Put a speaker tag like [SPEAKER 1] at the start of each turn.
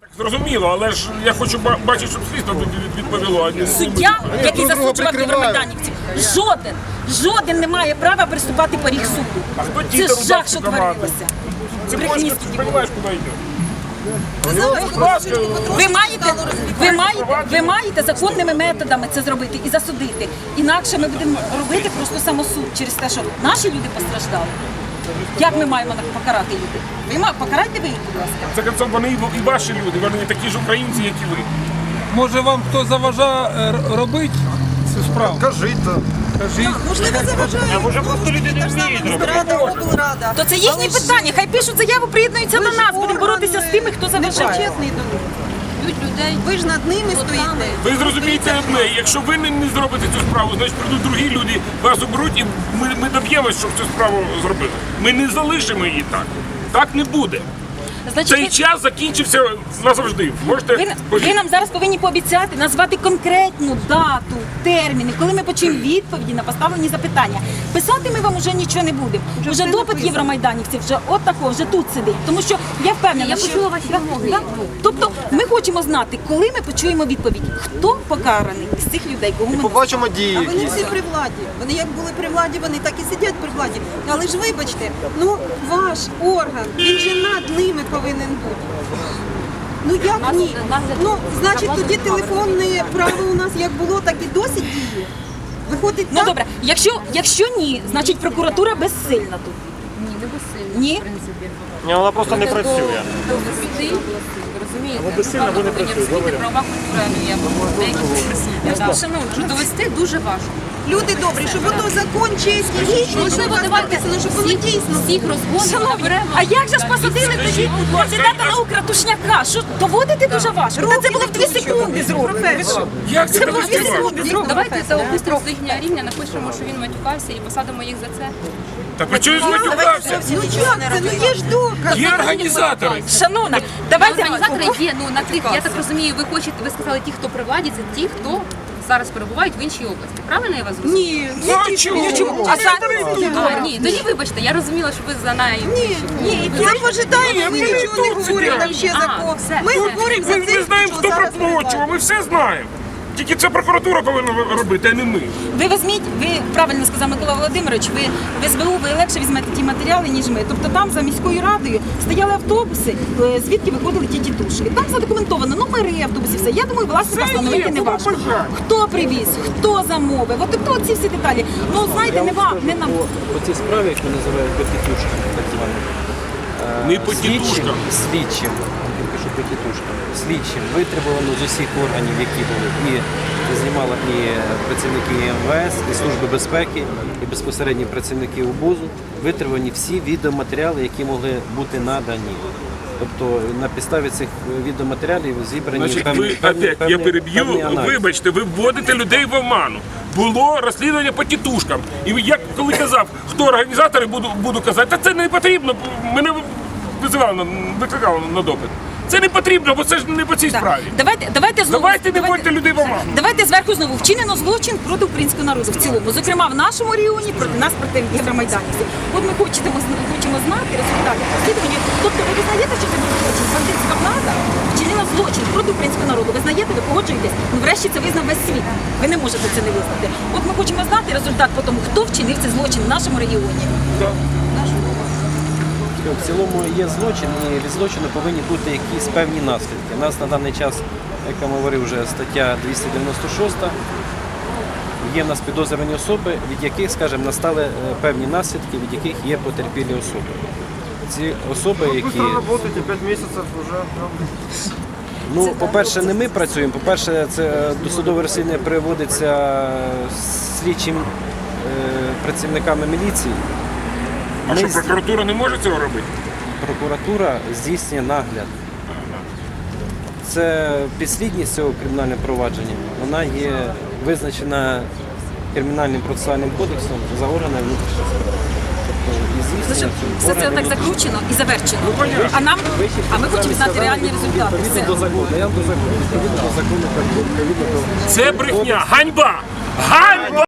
[SPEAKER 1] Зрозуміло, але ж я хочу бачити, щоб слідство відповіло.
[SPEAKER 2] Суддя, який засуджував євромайданівців, жоден не має права приступати поріг суду. Це жах, що творилося.
[SPEAKER 1] Це розумієш, куди йде.
[SPEAKER 2] Ви маєте законними методами це зробити і засудити. Інакше ми будемо робити просто самосуд через те, що наші люди постраждали. Як ми маємо покарати людей? Покарайте ви їх, будь ласка.
[SPEAKER 1] Це концом вони і ваші люди, вони такі ж українці, як і ви.
[SPEAKER 3] Може вам хто заважає робити цю справу?
[SPEAKER 4] Кажіть то.
[SPEAKER 5] Можливо, заважає.
[SPEAKER 1] А може просто люди не вміють робити?
[SPEAKER 5] Рада, облрада.
[SPEAKER 2] То це їхні питання. Хай пишуть заяву, приєднуються до нас. Будемо боротися з тими, хто заважає.
[SPEAKER 5] Чесний до них. Людей. Ви ж над ними стоїте.
[SPEAKER 1] Ви зрозумієте одне, якщо ви не зробите цю справу, значить прийдуть другі люди, вас оберуть і ми доб'ємося, щоб цю справу зробили. Ми не залишимо її так. Так не буде. Цей час закінчився назавжди.
[SPEAKER 2] Ви нам зараз повинні пообіцяти назвати конкретну дату, терміни, коли ми почуємо відповіді на поставлені запитання. Писати ми вам вже нічого не будемо. Вже допит євромайданівців, вже вже тут сидить. Тому що я впевнена,
[SPEAKER 6] Я почула ваші вимоги.
[SPEAKER 2] Тобто ми хочемо знати, коли ми почуємо відповідь, хто покараний з цих людей, кого ми
[SPEAKER 4] Побачимо дії.
[SPEAKER 5] А вони всі при владі. Вони як були при владі, вони так і сидять при владі. Але ж вибачте, ваш орган, він же над ними повинен бути. Як ні? Значить, тоді телефонне право у нас як було, так і досі діє. Виходить так?
[SPEAKER 2] добре, якщо ні, значить прокуратура безсильна тут.
[SPEAKER 6] Ні, не безсильно,
[SPEAKER 2] Ні?
[SPEAKER 6] в принципі.
[SPEAKER 4] Ні, вона просто не працює.
[SPEAKER 6] Довести, розумієте? Ви безсильно, ви не працюєте. Правова культура є деякі присутні. Шановні, що довести дуже важко.
[SPEAKER 5] Люди добрі, щоб ото закон чесний, гідний, щоб у вас написано, щоб воно дійсно.
[SPEAKER 6] Всіх розгонів
[SPEAKER 2] Шановні,
[SPEAKER 6] наберемо.
[SPEAKER 2] а як же ж посадили тоді кандидата наук Ратушняка? Що доводити дуже важко? Та це було в 2 секунди зроблено.
[SPEAKER 1] Як це
[SPEAKER 2] було в 2 секунди
[SPEAKER 6] Давайте це опустимо з їхнього рівня, напишемо, що він матюкався і посадимо їх за це.
[SPEAKER 1] Так ви чого матюкався?
[SPEAKER 5] Як це? Є ж доказ.
[SPEAKER 1] Є організатори.
[SPEAKER 2] Шановна, давайте...
[SPEAKER 6] Організатори є, на тих, я так розумію, ви сказали ті, хто при владі, це ті, хто зараз перебувають в іншій області. Правильно я вас зрозуміла?
[SPEAKER 5] Ні,
[SPEAKER 1] Чому?
[SPEAKER 6] Ні, тоді вибачте, я розуміла, що ви за нею.
[SPEAKER 5] ні, ми пожидаємо, ми нічого не говоримо там ще за кого. Ми говоримо за
[SPEAKER 1] Ми
[SPEAKER 5] цих,
[SPEAKER 1] знаємо,
[SPEAKER 5] що
[SPEAKER 1] хто
[SPEAKER 5] зараз
[SPEAKER 1] проплачував, ми все знаємо. Тільки це прокуратура повинна робити, а не ми.
[SPEAKER 2] Ви візьміть, ви правильно сказав Микола Володимирович, ви в СБУ ви легше візьмете ті матеріали, ніж ми. Тобто там за міською радою стояли автобуси, звідки виходили ті тітушки. Там задокументовано номери автобусів, все. Я думаю, власне, встановити не важко. Хто привіз, хто замовив, от ці всі деталі. Знаєте, не нам.
[SPEAKER 7] По цій справі, яку називають потітушками, так званим.
[SPEAKER 1] Не по тітушкам.
[SPEAKER 7] Слідчим, я кажу по тітушкам, слідчим витребувано з усіх органів, які були, і знімали і працівники МВС, і Служби безпеки, і безпосередні працівники УБУЗу, витребувані всі відеоматеріали, які могли бути надані. Тобто на підставі цих відеоматеріалів зібрані
[SPEAKER 1] Значить, я переб'ю, вибачте, ви вводите людей в оману. Було розслідування по тітушкам. І я коли казав, хто організатори, буду казати, та це не потрібно, мене викликали на допит. Це не потрібно, бо це ж не по цій справі. Давайте не вводьте людей в оману.
[SPEAKER 2] Давайте зверху знову вчинено злочин проти українського народу в цілому. Зокрема, в нашому регіоні проти нас, проти євромайданівців. От ми хочемо знати результати розслідування. Тобто ви визнаєте, що це був злочин? Бандитська влада вчинила злочин проти українського народу. Ви знаєте, ви погоджуєтесь? Врешті це визнав весь світ. Ви не можете це не визнати. От ми хочемо знати результат по тому, хто вчинив цей злочин в нашому регіоні.
[SPEAKER 7] В цілому є злочин, і від злочину повинні бути якісь певні наслідки. У нас на даний час, як я говорив, вже стаття 296, є в нас підозрювані особи, від яких, скажімо, настали певні наслідки, від яких є потерпілі особи. Ці особи, які...
[SPEAKER 4] Работаете 5 місяців вже.
[SPEAKER 7] По-перше, не ми працюємо. По-перше, це досудове розслідування приводиться слідчим працівниками міліції.
[SPEAKER 1] А що, прокуратура не може цього робити?
[SPEAKER 7] Прокуратура здійснює нагляд. Це підслідність цього кримінального провадження. Вона є визначена Кримінальним процесуальним кодексом за органами внутрішніх справ.
[SPEAKER 2] Все це так закручено і завершено. А ми хочемо знати реальні результати.
[SPEAKER 7] Відповідно до закону. Я до закону. Відповідно до закону.
[SPEAKER 1] Це брехня. Ганьба! Ганьба!